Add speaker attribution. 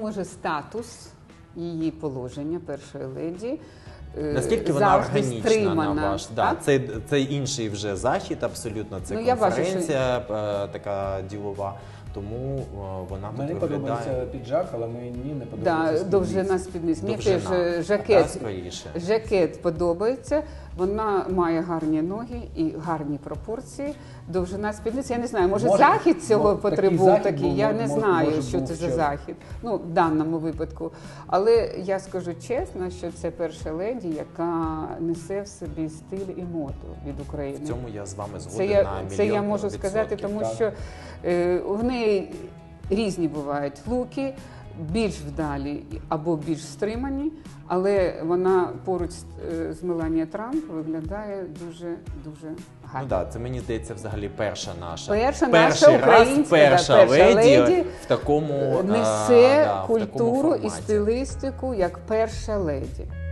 Speaker 1: може статус її положення першої леді
Speaker 2: наскільки вона
Speaker 1: завжди
Speaker 2: органічна,
Speaker 1: стримана,
Speaker 2: на ваш? Да, це інший вже захід абсолютно, це
Speaker 1: я бачу,
Speaker 2: конференція така ділова, тому вона тут
Speaker 3: Мені
Speaker 2: виглядає...
Speaker 3: подобається піджак, але мені не подобається
Speaker 1: довжина спідниці. Мені теж
Speaker 2: Довжина, скоріше.
Speaker 1: жакет подобається, вона має гарні ноги і гарні пропорції. Довжина спідниці, я не знаю, може захід цього потребував такий, я не знаю, що це за захід, ну, в даному випадку. Але я скажу чесно, що це перша леді, яка несе в собі стиль і моду від України.
Speaker 2: В цьому я з вами згоден на мільйон
Speaker 1: Це я можу
Speaker 2: відсотків.
Speaker 1: сказати, тому що в неї різні бувають луки, більш вдалі або більш стримані, але вона поруч з Меланія Трамп виглядає дуже гарно.
Speaker 2: Ну так, це, мені здається, взагалі перша наша
Speaker 1: Перший раз
Speaker 2: перша леді в такому
Speaker 1: несе
Speaker 2: в такому
Speaker 1: культуру і
Speaker 2: форматі.
Speaker 1: стилістику як перша леді.